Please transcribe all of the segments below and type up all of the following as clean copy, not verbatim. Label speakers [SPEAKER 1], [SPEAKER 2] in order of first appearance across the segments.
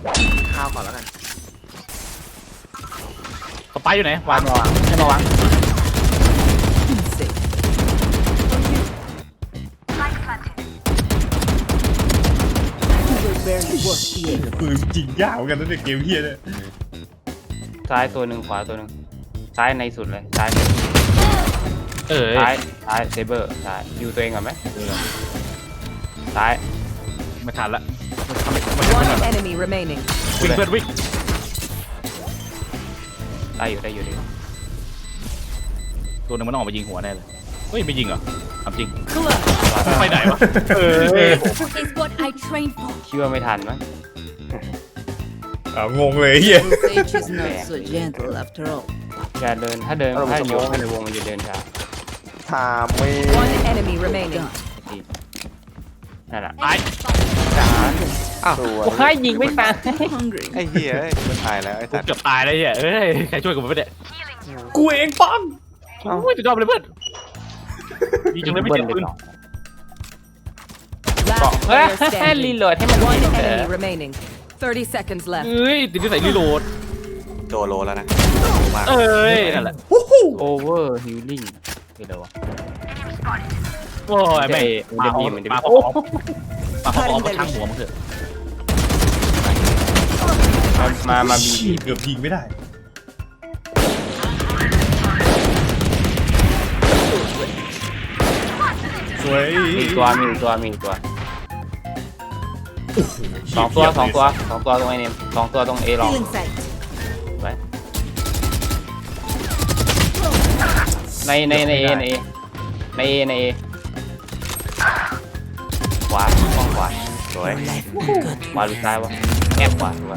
[SPEAKER 1] ข้าวก่อนแล้วกัน
[SPEAKER 2] สไปอยู่ไหนวางมาวางให้มาวาง
[SPEAKER 3] ปืนจริงยากเหมือนกันนะเนี่ยเกมเฮียเนี่ย
[SPEAKER 4] ซ้ายตัวหนึ่งขวาตัวหนึ่งซ้ายในสุดเลยซ้ายซ้ายเซเบอร์ซ้ายอยู่ตัวเองก่อนไหมซ้าย
[SPEAKER 2] ไม่ทันละ
[SPEAKER 5] One enemy remaining.
[SPEAKER 2] วิ่งเพื่อนวิ่ง
[SPEAKER 4] ได้อยู่ได้อยู่ดิ
[SPEAKER 2] ตัวนึงมันออกมายิงหัวแน่เลยเฮ้ยไม่ยิงเหรอทำจริง
[SPEAKER 5] Clutch.
[SPEAKER 2] ไปไหนวะ
[SPEAKER 6] Is what I trained for.
[SPEAKER 4] คิดว่าไม่ทันมั้ง
[SPEAKER 3] งงเลยเฮีย
[SPEAKER 5] Sage is not so gentle after all.
[SPEAKER 4] อย่าเดินถ้าโยกในวงมันจะเดินช้า
[SPEAKER 1] ถามไม่
[SPEAKER 5] One enemy remaining.
[SPEAKER 4] นั่นแหละ
[SPEAKER 2] ไอ้
[SPEAKER 1] สวย
[SPEAKER 4] โอ้ยยิงไม่ตาย
[SPEAKER 5] Hungry.
[SPEAKER 1] ไอ้เหี้ยมันตายแล้วไอ้
[SPEAKER 2] กู
[SPEAKER 1] สัตว์
[SPEAKER 2] เกือบตายเลยเนี่ยเอ้ยใครช่วยกูไม่ได้
[SPEAKER 3] กูเองปัง
[SPEAKER 2] โอ้ยสุดยอดเลยเพื่อนยิงจนไม่เจ็บปืน
[SPEAKER 5] Last
[SPEAKER 4] เฮ้ย
[SPEAKER 5] player
[SPEAKER 4] รี
[SPEAKER 5] standing.
[SPEAKER 4] โหลดให้มัน
[SPEAKER 5] One
[SPEAKER 4] เอ
[SPEAKER 5] enemy remaining. 30 seconds left.
[SPEAKER 2] เอ้ยติดที่ใส่รีโหลด
[SPEAKER 1] โจโลแล้วนะมาก
[SPEAKER 2] เอ้ยนั่นแหละ
[SPEAKER 4] โอเวอร์ฮิลลิ่งคืออะไรวะ
[SPEAKER 2] โอ้ยแม่ง
[SPEAKER 4] มันจะมีมันจะมี
[SPEAKER 2] ปาพอมาช่างหัวมึงเถอะ
[SPEAKER 4] มาบี
[SPEAKER 3] เกือบยิงไม่ได้สวย
[SPEAKER 4] มีตัวสองตัวตรงไอเนมสองตัวตรงเอลอง
[SPEAKER 5] Feeling sight.
[SPEAKER 4] ไว้ในเอขวาห้องขวาสวยขวาหรือซ้ายวะแอบขวาถูกป่ะ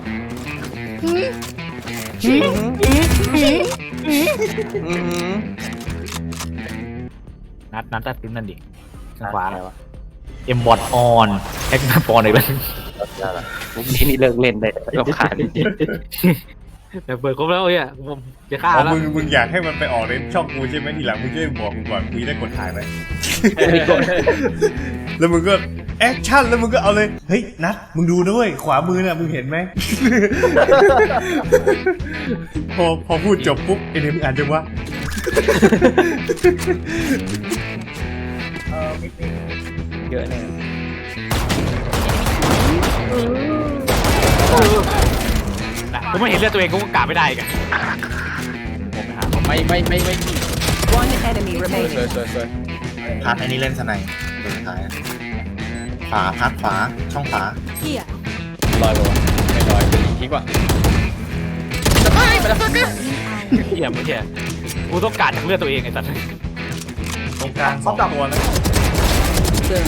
[SPEAKER 2] นัดตัดปืนนั่นดิทางขวา
[SPEAKER 4] อะไรวะ
[SPEAKER 2] เอ็มบอทออนแฮกนัดปอนอีกแล้ว
[SPEAKER 4] มุกนี้นี่เลิกเล่นได้รำคาญจริง
[SPEAKER 2] แต่เปิดครบแล้วเนี่ยผมจะฆ่า
[SPEAKER 3] อ๋อ
[SPEAKER 2] แล้ว
[SPEAKER 3] มึงอยากให้มันไปออกในช่องกูใช่ไหมทีหลังมึงจะได้บอกกูก่อนกูจะได้กดถ่ายไหมแล้วมึงก็แอคชั่นแล้วมึงก็เอาเลยเฮ้ยนัดมึงดูด้วยขวามือน่ะมึงเห็นไหม พอพูดจบปุ๊บไอ้เนี่ยมึงอ่านจังวะ
[SPEAKER 4] เยอะเลย
[SPEAKER 2] ผมไม่เห็นเลือดตัวเองก็กะไม่ได้กันผมไปหาผมไม่
[SPEAKER 5] One enemy remaining.
[SPEAKER 1] พัดไอ้นี่เล่นสไนตัวสุดท้ายขวาพัดขวาช่องขวา
[SPEAKER 6] Here.
[SPEAKER 4] ลอยป่ะไม่ลอยเป็นทิ้งป่ะ
[SPEAKER 2] เหี้ยไม่เหี้ยกูต้องการจากเลือดตัวเองไอ้สัตว์
[SPEAKER 3] ตรงกลางสองตัวแล้ว
[SPEAKER 5] Turn.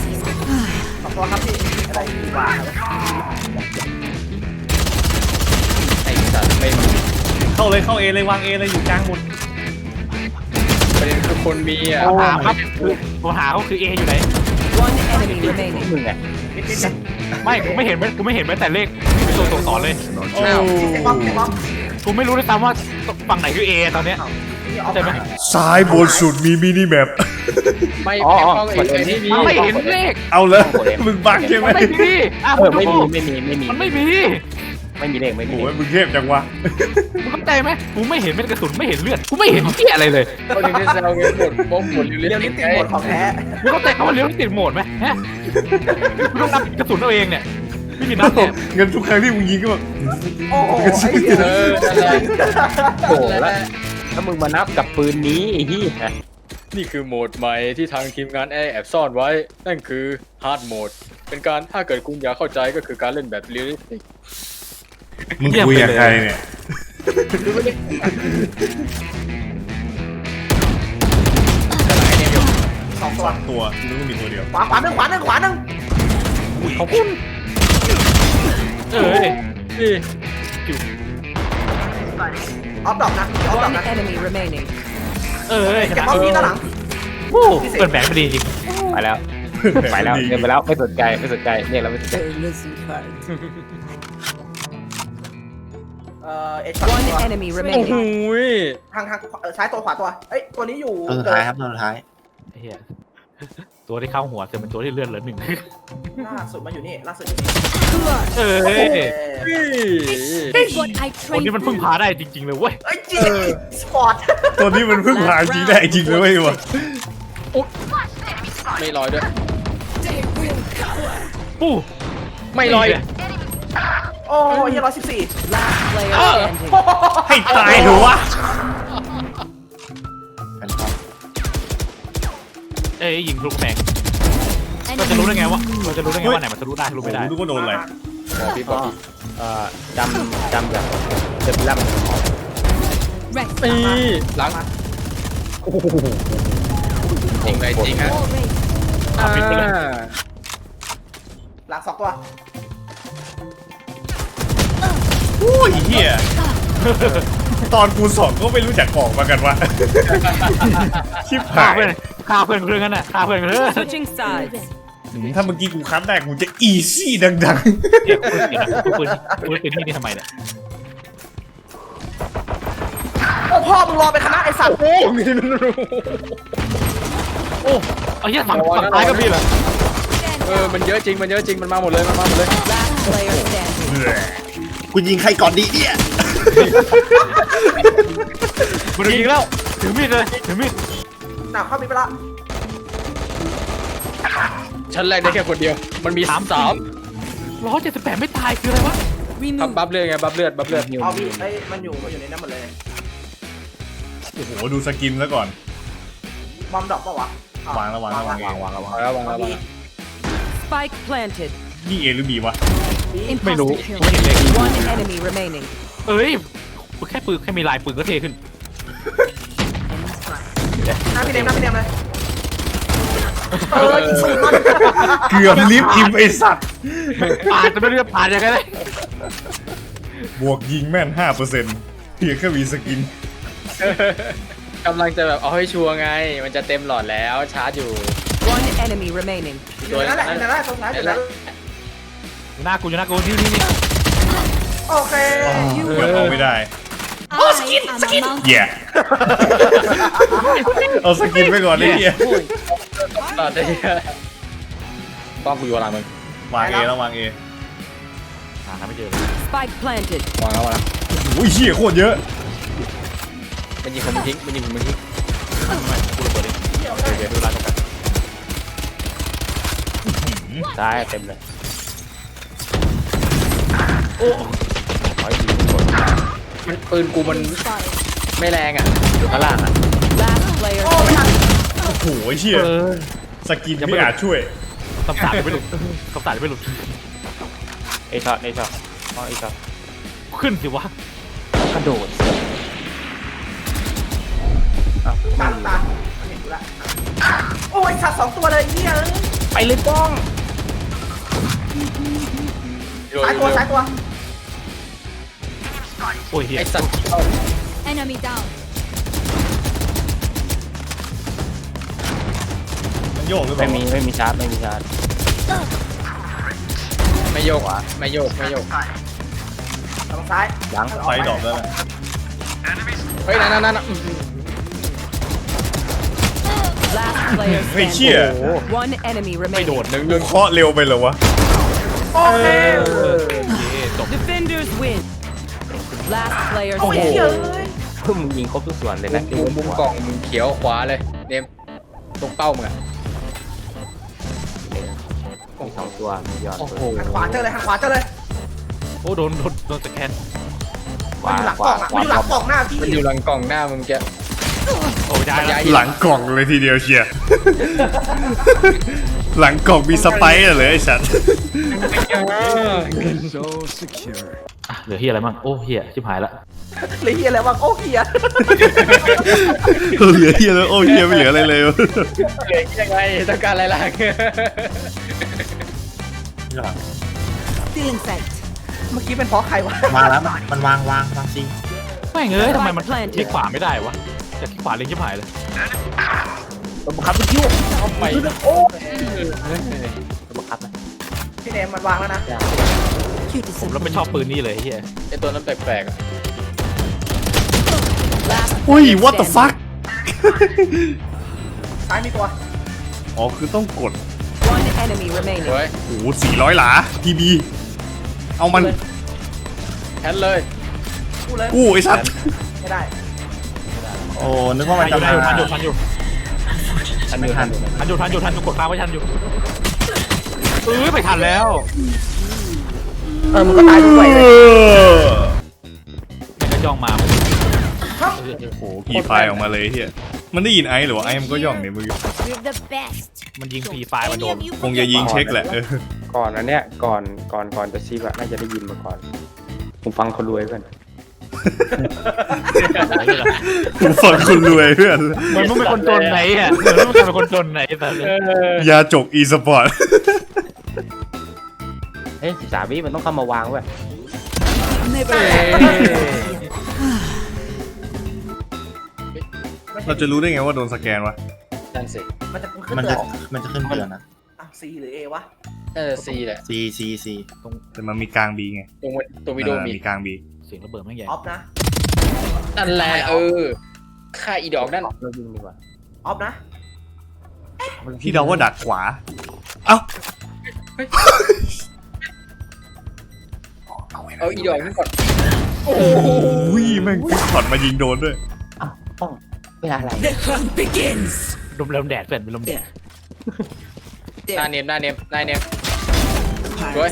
[SPEAKER 4] ไอ้สัตว์ไม่มี
[SPEAKER 3] เข้าเลยเข้าเอเลยวางเอเลยอยู่กลางหมด
[SPEAKER 4] ประเด็นคือคนมีอ่ะ
[SPEAKER 2] ถามครับคือผมหาเขาคือเออยู่ไหน
[SPEAKER 5] One enemy remaining.
[SPEAKER 4] มึงไง
[SPEAKER 2] ไม่กูไม่เห็นแม้แต่เลขเป็นตัวสอนเลย
[SPEAKER 3] โอ้
[SPEAKER 2] กูไม่รู้ด้วยซ้ำว่าฝั่งไหนคือเอตอนเนี้ยเข้าใจไหม
[SPEAKER 3] ซ้ายบนสุดมีมินิแมป
[SPEAKER 4] ไม่กดเอ็นที่มี
[SPEAKER 2] ไม่เห็นเลข
[SPEAKER 3] เอาเลยมึงบักใช่ไหม
[SPEAKER 2] ไม่มีอ่ะ
[SPEAKER 4] ไม่มี
[SPEAKER 2] มันไม่มี
[SPEAKER 4] ไม่มีเลขไม่มี
[SPEAKER 3] โอ้ยมึงเทพจังวะ
[SPEAKER 2] มึงเข้าใจไหมกูไม่เห็นเม็ดกระสุนไม่เห็นเลือดกูไม่เห็นเหี้ยอะไรเลย
[SPEAKER 4] คนที่เซลเงินหมดบ้องหมดเรียวลิติดหมดของแท้
[SPEAKER 2] มึงเข้าใจคำว่าเลี้ยวติดโหมดไหมฮะกูต้องนับกระสุนเอาเองเนี่ยไม่มีนับเนี่ย
[SPEAKER 3] เงินทุกครั้งที่มึงยิงก็แบบ
[SPEAKER 4] โอ้โหโหแล้วมึงมานับกับปืนนี้ไอ้ที่
[SPEAKER 7] นี่คือโหมดใหม่ที่ทางทีมงานแอบซ่อนไว้ นั่นคือ Hard Mode เป็นการถ้าเกิดคุณอยากเข้าใจก็คือการเล่นแบบเรียลลิสติก
[SPEAKER 3] มึงคุยกับใครเนี่ยสองตัวนึกว่ามีตัวเดียว
[SPEAKER 1] ขวาหนึ่ง
[SPEAKER 2] ขอบคุณเอ้ย
[SPEAKER 7] นี่
[SPEAKER 5] One enemy remaining.
[SPEAKER 2] เอ้ยชนะ
[SPEAKER 4] โอ้
[SPEAKER 2] เปิดแบงค์พอดีจริง
[SPEAKER 4] ไปแล้วเดินไปแล้วไม่สนใจเนี่ยเราไม่สนใจ
[SPEAKER 5] They're losing heart.
[SPEAKER 1] เอ็ด
[SPEAKER 5] One enemy
[SPEAKER 7] โอ้โห
[SPEAKER 5] remaining.
[SPEAKER 1] ทางซ้ายตัวขวาตัวเอ้ยตัวนี้อยู่
[SPEAKER 4] ตัวสุดท้ายครับตัวสุดท้าย
[SPEAKER 2] เฮียตัวที่เข้าหัวจะเป็นตัวที่เลื่อนเหลือหนึ่ง
[SPEAKER 3] ล่าสุดมาอยู่นี่ล่าสุดอยู่นี่
[SPEAKER 2] เอ้ย
[SPEAKER 6] This is what I
[SPEAKER 2] คนนี้
[SPEAKER 6] trained
[SPEAKER 2] มันพึ่ง
[SPEAKER 6] for.
[SPEAKER 2] พาได้จริงๆเลยเว้ย
[SPEAKER 3] เอ้ยจริงสปอร์ตตัวนี้มันเพิ่งผ่านจริงได้จริงเลยเว้ยวะ
[SPEAKER 7] ไม่ลอยด้วย
[SPEAKER 2] ปู้
[SPEAKER 7] ไม่ลอย
[SPEAKER 3] โอ้ย114
[SPEAKER 5] Last player standing.
[SPEAKER 3] ให้ตายเถอะวะ
[SPEAKER 1] แฟนทอม
[SPEAKER 2] เอ้ยยิงทะลุกำแพงเราจะรู้ได้ไงวะเราจะรู้ได้ไงว่าไหนมันทะลุได้ทะลุไม่ได้
[SPEAKER 3] รู้ว่าโดนอะไร
[SPEAKER 7] บอกพี่บอกพี่
[SPEAKER 4] จำแบบเจ็บล่ำ
[SPEAKER 6] Rest.
[SPEAKER 7] นี่หลังจริงเลยจริงฮะ
[SPEAKER 6] All raised.
[SPEAKER 2] เอาปิดไปเลย
[SPEAKER 3] หลัง2ตัวโอ้ยเฮียตอนกูสองก็ไม่รู้จักของมากันวะชิบ
[SPEAKER 2] ฆ่า
[SPEAKER 3] หาย
[SPEAKER 2] เพื่อนฆ่าเพื่อนเรื่องนั้นน่ะฆ่าเพื่อนเรื่อง
[SPEAKER 5] Switching sides.
[SPEAKER 3] ถ้าเมื่อกี้กูคัดได้กูจะอีซี่ดัง
[SPEAKER 2] เก็บปืนเก็บนะปืนที่นี่ทำไมเนี่ย
[SPEAKER 3] ๆโอ้พ่อมึงรอไปคณะไอ้สัตว์
[SPEAKER 2] โอ้ไอ้เหี้ยฝั่งซ้ายก็มีเหรอ
[SPEAKER 7] มันเยอะจริงมันเยอะจริงมันมาหมดเลยมันมาหมดเลย
[SPEAKER 5] Last player standing.
[SPEAKER 1] กูยิงใครก่อนดีเนี่ย
[SPEAKER 2] มันยิงแล้วถือมีดเลยถือมีด
[SPEAKER 3] หนักเข้ามีไปละ
[SPEAKER 7] ชั้นแรกได้แค่คนเดียวมันมีสาม
[SPEAKER 2] 178ไม่ตายคืออะไรวะ
[SPEAKER 6] Remove.
[SPEAKER 7] บัฟเลือดไงบัฟเลือด
[SPEAKER 3] เอามีไอ้มันอยู่ในนั้นหมดเลยโอ้โหดูสกินแล้วก่อนบอมดอกปะวะวางแล้ววางแล้ววาง
[SPEAKER 7] วางแล้ววางแล้ว
[SPEAKER 5] Spike planted.
[SPEAKER 3] นี่เอหรือบีวะ
[SPEAKER 2] ไม่รู้
[SPEAKER 6] Impossible
[SPEAKER 2] ไม่
[SPEAKER 6] kill.
[SPEAKER 2] เห็นเลย
[SPEAKER 5] One enemy remaining.
[SPEAKER 2] เอ้ยแค่ปืนแค่มีลายปืนก็เท่ขึ้น
[SPEAKER 3] น้ำพี่เดมเลยเกือบลิฟต์อิมไอสัตว์
[SPEAKER 2] ปาดจะไม่รู้จะปาดยังไงเลย
[SPEAKER 3] บวกยิงแม่น 5%เพียงแค่มีสกิน
[SPEAKER 7] กำลังจะแบบเอาให้ชัวร์ไง มันจะเต็มหลอดแล้วชาร์จอยู่
[SPEAKER 5] One enemy remaining.
[SPEAKER 7] ตัวนั้นแหละ
[SPEAKER 3] ตรงนั้น
[SPEAKER 7] นั่นแหละ
[SPEAKER 2] อยู่หน้ากูอยู่หน้ากูนี่นี่
[SPEAKER 3] โอเคเอาไม่ได้
[SPEAKER 6] I am a mountain.
[SPEAKER 3] แย่ เอาสกินไปก่อนเลยเฮีย
[SPEAKER 7] หลอดได้ป้อมกูอยู่หลังมึง
[SPEAKER 3] วางเอแล้ววางเอ
[SPEAKER 2] หาไม่เจอ
[SPEAKER 5] Spike planted.
[SPEAKER 7] วางแล้ววางแล้ว
[SPEAKER 3] อุ้ยเฮียโคตรเยอะ
[SPEAKER 7] มันยิงผมทิ้งมันยิงผมทิ้ง
[SPEAKER 2] ไม่กูระเบิดเองเดี๋ยวดูลายตรงกัน
[SPEAKER 4] ซ้ายเต็มเลย
[SPEAKER 2] โอ้
[SPEAKER 4] ขอให้ยิงกด
[SPEAKER 7] มันปืนกูมัน
[SPEAKER 6] Spotted.
[SPEAKER 7] ไม่แรงอ่ะ
[SPEAKER 4] อยู่ข้างล่างอ่ะ
[SPEAKER 5] Last player standing.
[SPEAKER 3] โอ้โหเฮียสกินไม่อาจช่วย
[SPEAKER 2] คำสาปไม่หลุดคำสาปไม่หลุด
[SPEAKER 4] เอช็อตเอช็อตอ๋อเอช็อต
[SPEAKER 2] ขึ้นสิวะ
[SPEAKER 4] กระโดดอ้าวไม่มี
[SPEAKER 3] โอ้ยสัตว์2ตัวเลยเฮีย
[SPEAKER 4] ไปเลยป้อง
[SPEAKER 3] สายตัว
[SPEAKER 2] โอ้ยเฮีย
[SPEAKER 7] ไอสัตว์
[SPEAKER 6] Enemy down.
[SPEAKER 3] มันโยกหรือเป
[SPEAKER 4] ไม่
[SPEAKER 3] ล่า
[SPEAKER 4] มีชาร์จไม่มีชาร์จ
[SPEAKER 7] ไม่โยกวะไม่โยก
[SPEAKER 3] ทางซ้าย
[SPEAKER 4] ยัง
[SPEAKER 3] ไฟดอกแล้วนะ
[SPEAKER 7] เฮ้ยนั่น
[SPEAKER 5] Last player
[SPEAKER 3] เฮ้ยเชี่ย
[SPEAKER 5] standing. One enemy
[SPEAKER 2] ไม่โด
[SPEAKER 5] remaining.
[SPEAKER 2] ด
[SPEAKER 7] หนึ่ง
[SPEAKER 3] เคาะเร็วไปเหรอวะ โอเค
[SPEAKER 2] จบ
[SPEAKER 5] Defenders win. Last player
[SPEAKER 3] โอ้โห
[SPEAKER 5] standing.
[SPEAKER 4] พึ่งมึงยิงครบทุกส่วนเลยนะ
[SPEAKER 7] มุมกล่องมึงเขียวขวาเลยเนมตรงเป้ามึงอ่ะ
[SPEAKER 4] มีสองตัวมียอด
[SPEAKER 7] โอ้โห
[SPEAKER 3] ขวาเจอเลย
[SPEAKER 2] โอ้โดนสแกน
[SPEAKER 4] ขวาขวาขวา
[SPEAKER 7] มันอยู่หลังกล่องหน้ามึงแก
[SPEAKER 2] โอ้ยได้แล้ว
[SPEAKER 3] หลังกล่องเลยทีเดียวเชียร์ หลังกล่องมีสไปร์เหรอไอ้สัตว์
[SPEAKER 2] อ่ะเหลือเฮียอะไรบ้างโอ้เฮียชิบหายละ
[SPEAKER 3] เหลือเฮียแล้วโอ้เฮียแล้วโอ้เฮียไม่เหลืออะไรเลย
[SPEAKER 7] เหลือยังไงต้องการอะไรล่ะ
[SPEAKER 6] Still in sight.
[SPEAKER 3] เมื่อกี้เป็นเพราะใครวะ
[SPEAKER 1] วางแล้วมันวางจริง
[SPEAKER 2] ไม่เอ้ยทำไมมันคลิกขวาไม่ได้วะแต่คลิกขวาเล็งชิบหายเลย
[SPEAKER 4] ตัวบังคับไปคิ้ว
[SPEAKER 7] ไป
[SPEAKER 4] ตัวบังคับนะ
[SPEAKER 3] พี่เนมมันวางแล้วนะ
[SPEAKER 6] You
[SPEAKER 2] ผม
[SPEAKER 6] deserve
[SPEAKER 2] แล้วไม่ชอบปืนนี่เลยเฮีย
[SPEAKER 7] ไอตัวนั้นแปลกๆอ่ะ
[SPEAKER 5] Last
[SPEAKER 3] อุ้ย
[SPEAKER 5] player
[SPEAKER 3] what the
[SPEAKER 5] standing.
[SPEAKER 3] fuck ซ้ายมีตัว
[SPEAKER 7] โ
[SPEAKER 3] อ๋อคือต้องกด
[SPEAKER 5] One enemy remaining.
[SPEAKER 7] สวย
[SPEAKER 3] โอ้โห400 หลาทีบีเอามัน
[SPEAKER 7] แทนเลย
[SPEAKER 3] กู้ไอ้สัตว์
[SPEAKER 8] ไม่ได้
[SPEAKER 1] โอ้นึกว่ามัน
[SPEAKER 2] ทัน
[SPEAKER 1] จะ
[SPEAKER 2] อยู่
[SPEAKER 1] มา
[SPEAKER 2] ทันอยู่ทันอยู่ทันอยู่กดค้างไว้ทันอยู่ไม่ทันแล้ว
[SPEAKER 8] มึงก็ตายด้วยเลย
[SPEAKER 2] มันก็ย่องมา
[SPEAKER 3] โอ้โหขี่ไฟออกมาเลยเฮียมันได้ยินไอ้หรือว่าไอ้มันก็ย่องในมือ
[SPEAKER 6] You're the best.
[SPEAKER 2] มันยิงฟรีไฟล์มันโดน
[SPEAKER 3] คงจะยิงเช็คแหละ
[SPEAKER 4] ก่อนอันเนี้ยก่อนจะซีบอะน่าจะได้ยินมาก่อนผมฟังคนรวยเพื่อน
[SPEAKER 3] กูฟังคนรวยเพื่อน
[SPEAKER 2] เหมือนมึงเป็นคนจนไหนอ่ะเหมือนมึงเป็นคนจนไหนแต่
[SPEAKER 3] ยาจกอีสปอร์ต
[SPEAKER 4] เฮ้ย13 วิมันต้องเข้ามาวางเว้ย
[SPEAKER 3] เราจะรู้ได้ไงว่าโดนสแกนวะ
[SPEAKER 7] นั่นสิ
[SPEAKER 8] มันจะขึ้น
[SPEAKER 1] มัน
[SPEAKER 8] เตื
[SPEAKER 1] จะ
[SPEAKER 8] อน
[SPEAKER 1] มันจะขึ้นเตือนนะ
[SPEAKER 8] C หรือ A วะ
[SPEAKER 7] ซีแหละ
[SPEAKER 1] C
[SPEAKER 3] แต่มันมีกลางบีไง
[SPEAKER 7] ตรงวิดีโอมี
[SPEAKER 3] มีกลางบี
[SPEAKER 2] เสียงระเบิดไม่ใหญ่
[SPEAKER 8] ออฟนะ
[SPEAKER 7] นั่นแหละค่าอีดอกนั่น
[SPEAKER 4] เรายิงดีกว่า
[SPEAKER 8] ออฟนะ
[SPEAKER 3] ที่เราว่าดักขวา เอ้า
[SPEAKER 7] เอาอีดอกนี่ก่อน
[SPEAKER 3] โอ้ยแม่งถอดมายิงโดนด้วย
[SPEAKER 4] อ้าวต้องเป็นอะไร
[SPEAKER 2] ลมแดดเปลี่ยนเป็นลมแดด
[SPEAKER 7] หน้าเนมสวย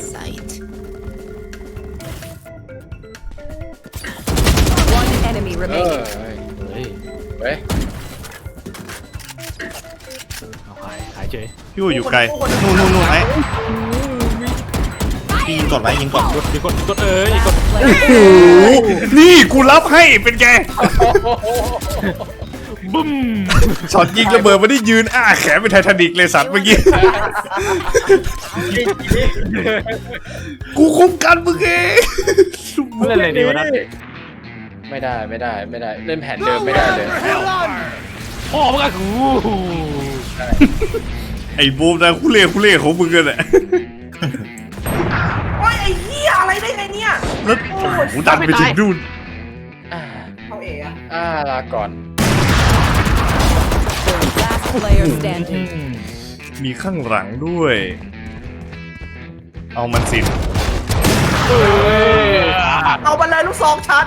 [SPEAKER 5] One enemy
[SPEAKER 7] เฮ้
[SPEAKER 5] remaining.
[SPEAKER 2] เฮ้ย
[SPEAKER 7] เว้ย
[SPEAKER 2] เอาขายเฉย
[SPEAKER 3] พี่ว่าอยู่ไกล นู่นไอ้
[SPEAKER 1] พี่ยิงกดไว้ยิงกด
[SPEAKER 2] กดกดกดกด
[SPEAKER 3] โอ้โห นี่กูรับให้เป็นไง
[SPEAKER 2] บึ้ม
[SPEAKER 3] ช็อตยิงระเบิดมาได้ยืนอ้าแขนเป็นไททานิกเลยสัตว์เมื่อกี้ กูคุ้มกันมึงเอง
[SPEAKER 2] เล่นอะไรดีวะนั่น
[SPEAKER 7] ไม่ได้เล่นแผนเดิมไม่ได้เลย
[SPEAKER 2] พ่อมึงอะกู
[SPEAKER 3] ไอ้บูมนะคุเล่ของมึงกันแหละ
[SPEAKER 8] โอ้ยไอ้เหี้ยอะไรได้ไงเนี่ย
[SPEAKER 3] แล้วกูดันไปถึงนู่น
[SPEAKER 8] เอาเออะ
[SPEAKER 7] ลาก่อน
[SPEAKER 5] Last player standing.
[SPEAKER 3] มีข้างหลังด้วย เอามันสิ
[SPEAKER 8] เอาไปเลยลูกซองชัด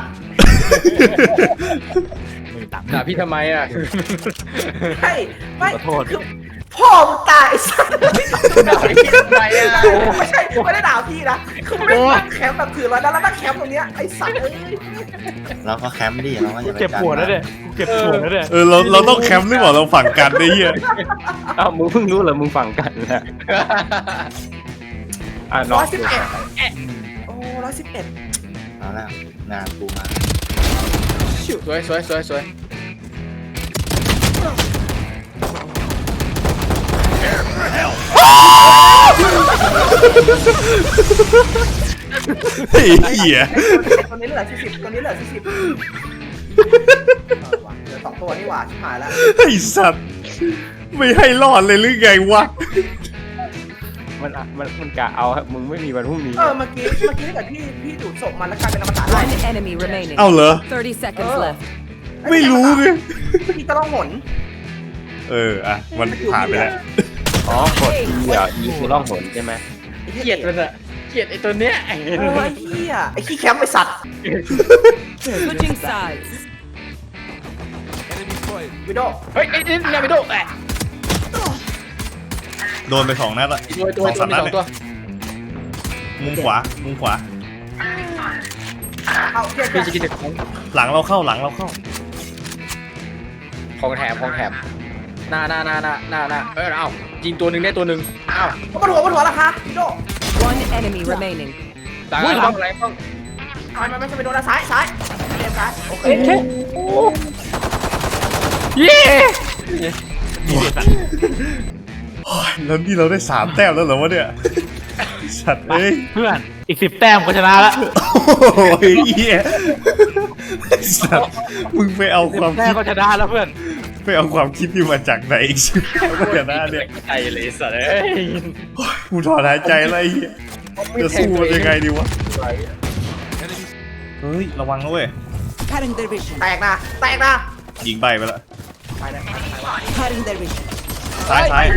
[SPEAKER 2] ไม่ตังค์
[SPEAKER 7] ด่าพี่ทำไมอ่ะ
[SPEAKER 8] ใช่ไม่
[SPEAKER 2] ขอโทษ
[SPEAKER 8] คือพ่อมึงตายไอ้สัส
[SPEAKER 7] ด่าพี่ทำไมอ่ะ
[SPEAKER 8] ไม่ใช่ไม่ได้ด่าพี่นะคือไม่ได้ตั้งแคมป์แบบถือร้อยแล้วตั้งแคมป์ตรงเนี้ยไอ้สัสเอ้ย
[SPEAKER 1] เราก็แคมป์ดิเราก็อย่าไป
[SPEAKER 2] เก็บปวดแล้วเนี่ยเก็บปวดแล้วเนี่ย
[SPEAKER 3] เราต้องแคมป์หรือเปล่าเราฝั่งกันได้เหี้ย
[SPEAKER 4] อ้าวมึงเพิ่งรู้เหรอมึงฟังกันนะน้อง
[SPEAKER 8] 111โอ้111
[SPEAKER 1] เอาแล้วงานกูมา
[SPEAKER 7] สวย
[SPEAKER 3] ไอ้เหี้ย
[SPEAKER 8] ตัวนี้เหลือ40ตัวนี้เหลือ40เหลือ2ตัวนี่หว่าชิบหายแล้ว
[SPEAKER 3] ไอ้สัตว์ไม่ให้รอดเลยหรือไงวะ
[SPEAKER 4] มันกะเอาครับมึงไม่มีวันพรุ่งนี้
[SPEAKER 8] เมื่อกี้ถ้าเกิดพี่ดูดศพมันแล้วกลายเป็นอมตะ
[SPEAKER 5] One enemy remaining.
[SPEAKER 3] เอาเหรอ
[SPEAKER 5] 30 seconds left.
[SPEAKER 3] ไม่รู้ไง
[SPEAKER 8] พี่จะต้องหน
[SPEAKER 3] อ่ะมันผ่านไปแล้ว
[SPEAKER 4] อ๋อกดอีอ่ะอีคือล่องหนใช่ไหม
[SPEAKER 7] เกลียดมันอะเกลียดไอ้ตัวเนี้ย
[SPEAKER 8] ไอ้เหี้ยไอ้ขี้แคมป์ไอ้สัตว์
[SPEAKER 5] Switching sides.
[SPEAKER 8] วิโด
[SPEAKER 7] เฮ้ยไอ้นี่นามิโดแอะ
[SPEAKER 3] โดนไป2 นัดละ
[SPEAKER 7] ตัว
[SPEAKER 3] 2-3 นัด
[SPEAKER 7] มี
[SPEAKER 3] เนี่ย
[SPEAKER 7] 2 ตัว
[SPEAKER 3] มุมขวา
[SPEAKER 8] เอาเหี้ย
[SPEAKER 7] พี่จะกินของ
[SPEAKER 3] หลังเราเข้า
[SPEAKER 7] ของแถมหน้าเอายิงตัวหนึ่งได้ตัวหนึ่งเอ้า
[SPEAKER 8] บนหัวราคาวิโด
[SPEAKER 5] One enemy remaining.
[SPEAKER 7] หลังต้องอะไรต้อง
[SPEAKER 8] มันไม่ใช่ไปโดนซ้ายเรียนซ้ายโอเค
[SPEAKER 2] เย้
[SPEAKER 3] แล้วนี่เราได้3 แต้มแล้วเหรอวะเนี่ย สัตว์เอ้ย
[SPEAKER 2] เพื่อนอีก10 แต้มก็ชนะแล้ว
[SPEAKER 3] โอ้ยเหี้ยสัตว์มึงไปเอาความ
[SPEAKER 2] แต้
[SPEAKER 3] คิ
[SPEAKER 2] ม
[SPEAKER 3] ด
[SPEAKER 2] ก็ชนะแล้วเพื่อน
[SPEAKER 3] ไปเอาความคิดที่มาจากไหนอีกชิบเดี๋ยวนะเนี่ย
[SPEAKER 7] ใจเลยสัตว์เอ้ย
[SPEAKER 3] กูถอนหายใจอะไรเหี้ยจะสู้มันยังไงดีวะ เฮ้ย ระวังนะเว้ย
[SPEAKER 8] แตกนะ
[SPEAKER 3] ยิงใบไปแล้ว
[SPEAKER 8] ไปเลย
[SPEAKER 3] ซ้ายซ้าย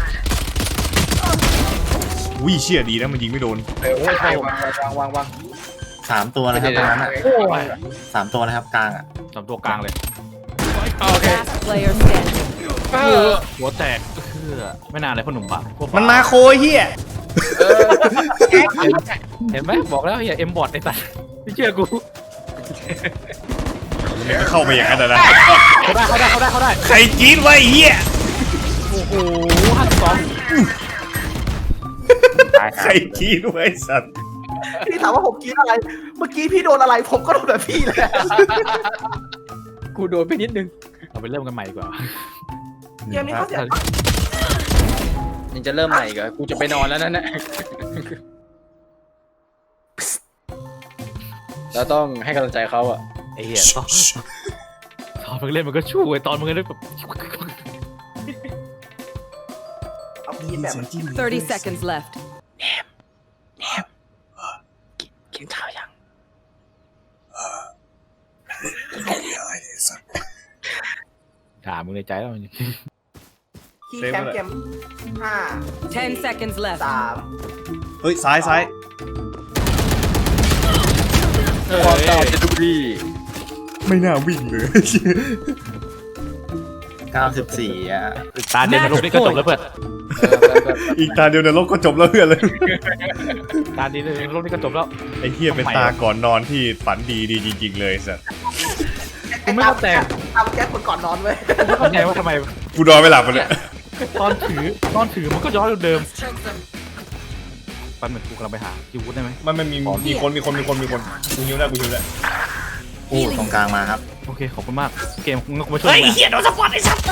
[SPEAKER 3] อุ้ยเชี่ยดีนะมันยิงไม่โดน
[SPEAKER 7] วาง
[SPEAKER 1] 3 ตัวนะครับตรงนั้นอ่ะ3 ตัวนะครับกลางอ่ะ
[SPEAKER 2] สามตัวกลางเลย
[SPEAKER 7] โอเค
[SPEAKER 5] Last player standing.
[SPEAKER 2] หัวแตกไม่นานเลยพ่อหนุ่มปะพวก
[SPEAKER 3] มันมาโคยเฮีย
[SPEAKER 2] เห็นไหมบอกแล้วอย่าเอ็มบอทไอ้สัสไม่เชื่อกู
[SPEAKER 3] มันก็เข้าไปอย่างนั้นนะ
[SPEAKER 2] เขาได้
[SPEAKER 3] ใครจีนไว้เฮีย
[SPEAKER 2] โอ้โห52
[SPEAKER 3] ใครจีนไว้สัตว์
[SPEAKER 8] พี่ถามว่าผมกรีดอะไร เมื่อกี้พี่โดนอะไรผมก็โดนแบบพี่เลย
[SPEAKER 7] กูโดนไปนิดนึง
[SPEAKER 2] เราไปเริ่มกันใหม่ดีกว่า
[SPEAKER 8] เกมนี้เขาเสีย
[SPEAKER 7] ยังจะเริ่มใหม่อีกเหรอกูจะไปนอนแล้วนั่นแหละเราต้องให้กำลังใจเขาอ่ะ
[SPEAKER 2] ไอ้เหี้ยตอนมึงเล่นมันก็ชู้ไอ้ตอนมึงเล่นแบบ
[SPEAKER 8] เอากรีดแบบ
[SPEAKER 5] 30 seconds left.
[SPEAKER 7] กินข้าวยัง
[SPEAKER 2] ด่ามึงในใจแล้วมัน
[SPEAKER 8] คีย์แคมป์เกม5
[SPEAKER 5] 10 seconds left.
[SPEAKER 3] เฮ้ยซ้ายซ้าย
[SPEAKER 7] ความตายจะดูดี
[SPEAKER 3] ไม่น่าวิ่งเลย
[SPEAKER 1] 94อ่ะ
[SPEAKER 2] ตาเด่นนรกนี่ก็จบแล้วเพื่อน
[SPEAKER 3] อีกตาเดียวในโลกก็จบแล้วเพื่อนเลย
[SPEAKER 2] ตาเด่นนรกนี่ก็จบแล้ว
[SPEAKER 3] ไอ้เฮียเป็นตาก่อนนอนที่ฝันดีจริงๆเลยสัตว์
[SPEAKER 2] กูไม่เข้าใจ
[SPEAKER 8] ทำแก๊สคนก่อนนอนเว้ย
[SPEAKER 2] ไม่เข้าใจว่าทำไม
[SPEAKER 3] กูนอนไม่หลับมันเลย
[SPEAKER 2] ตอนถือมันก็ย้อนเดิมปันเหมือนกูกำลังไปหาคิววุฒได้ไหม
[SPEAKER 3] มันมีคนกูหิวแล้วกูหิวแล้ว
[SPEAKER 1] โอ้ตรงกลางมาครับ
[SPEAKER 2] โอเคขอบคุณมากเกมมึงก็มาช่วยเฮ้ยเหี้ยโดนสปอตไอ้สัตว์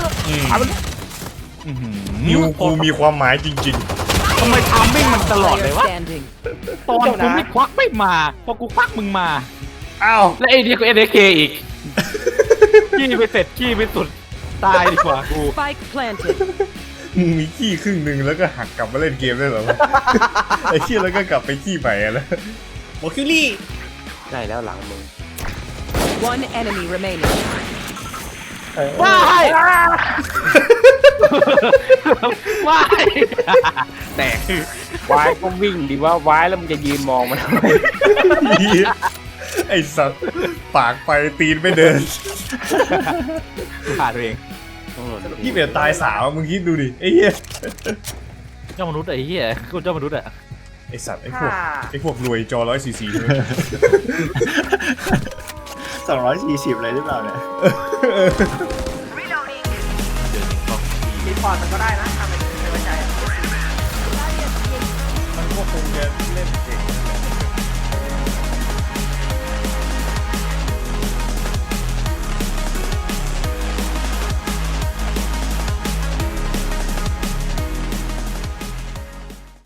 [SPEAKER 3] นิวกูมีความหมายจริง
[SPEAKER 2] ทำไมทามมิ่งมันตลอดเล
[SPEAKER 5] Player
[SPEAKER 2] ยวะ
[SPEAKER 5] standing.
[SPEAKER 2] ตอนกูไม่ควักไม่มาพอกูควักมึงมา
[SPEAKER 3] ๆอ้าว
[SPEAKER 2] และไอ้นี่ก็ NK อีกขี้ไปเสร็จขี้ไปสุดตายดีกว่ากู
[SPEAKER 5] Spike planted.
[SPEAKER 3] มึงมีขี้ครึ่งหนึ่งแล้วก็หักกลับมาเล่นเกมได้เหรอวะ ไอ้เชี่ยแล้วก็กลับไปขี้ใหม่อะแล้วโมคิลี่
[SPEAKER 4] ได้แล้วหลังมึง
[SPEAKER 5] One enemy remaining.
[SPEAKER 2] ว้ายว้ายแตก
[SPEAKER 4] วายก็วิ่งดีว่าวายแล้วมึงจะยืนมองมันทำไม
[SPEAKER 3] ไอ้สัตว์ปากไปตีนไม่เดิน
[SPEAKER 2] ขาดตัวเอง
[SPEAKER 3] พี่เบียดตายสาวมึงคิดดูดิไอ้เหี้ย
[SPEAKER 2] เจ้ามนุษย์ไอ้เหี้ยกูเจ้ามนุษย์อะ
[SPEAKER 3] ไอ้สัตว์ไอ้พวกรวยจอ144ใช่ไหม
[SPEAKER 1] 240เลยหรือเปล่าเนี่ย
[SPEAKER 8] รีพอร์ตมันก็ได้